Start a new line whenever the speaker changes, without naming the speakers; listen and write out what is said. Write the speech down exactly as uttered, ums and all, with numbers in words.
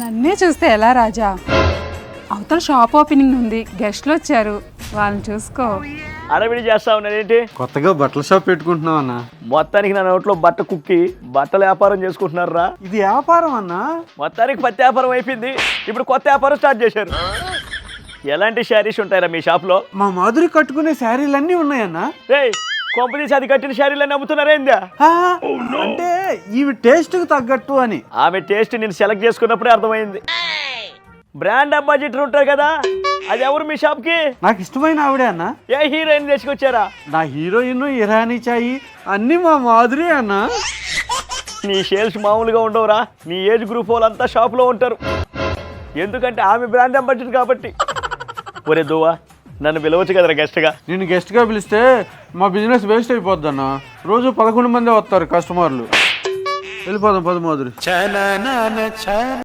నన్నే చూస్తే ఎలా రాజా? అవతల షాప్ ఓపెనింగ్ ఉంది, గెస్ట్లు వచ్చారు, వాళ్ళని చూసుకో.
అడవిడి చేస్తా ఉన్నారేంటి?
కొత్తగా బట్టల షాప్ పెట్టుకుంటున్నావు అన్న.
మొత్తానికి నా నోట్లో బట్ట కుక్కి బట్టల వ్యాపారం చేసుకుంటున్నారా?
ఇది వ్యాపారం అన్న.
మొత్తానికి పత్తి వ్యాపారం అయిపోయింది, ఇప్పుడు కొత్త వ్యాపారం స్టార్ట్ చేశారు. ఎలాంటి శారీస్ ఉంటాయరా మీ షాప్లో?
మా మాధురి కట్టుకునే శారీలు అన్నీ ఉన్నాయన్న.
రేయ్, కొంపదీసి అది కట్టిన శారీలన్నీ అమ్ముతున్నారేందా?
ఆ, అంటే ఇవి టేస్ట్కి తగ్గట్టు అని.
ఆమె టేస్ట్ నేను సెలెక్ట్ చేసుకున్నప్పుడే అర్థమైంది. బ్రాండ్ అంబాసిడర్ ఉంటారు కదా, అది ఎవరు మీ షాప్కి?
నాకు ఇష్టమైన ఆవిడే అన్న.
ఏ హీరోయిన్ తీసుకొచ్చారా?
నా హీరోయిన్ ఇరానీ చాయి అన్నీ మా మాధురి అన్న.
నీ సేల్స్ మామూలుగా ఉండవురా. నీ ఏజ్ గ్రూప్ వాళ్ళంతా షాప్లో ఉంటారు, ఎందుకంటే ఆమె బ్రాండ్ అంబాసిడర్ కాబట్టి. ఒరే దువ్వా, నన్ను పిలవచ్చు కదరా గెస్ట్గా?
నేను గెస్ట్గా పిలిస్తే మా బిజినెస్ వేస్ట్ అయిపోద్ది అన్న. రోజు పదకొండు మంది వస్తారు కస్టమర్లు. వెళ్ళిపోదాం పద మాధురి.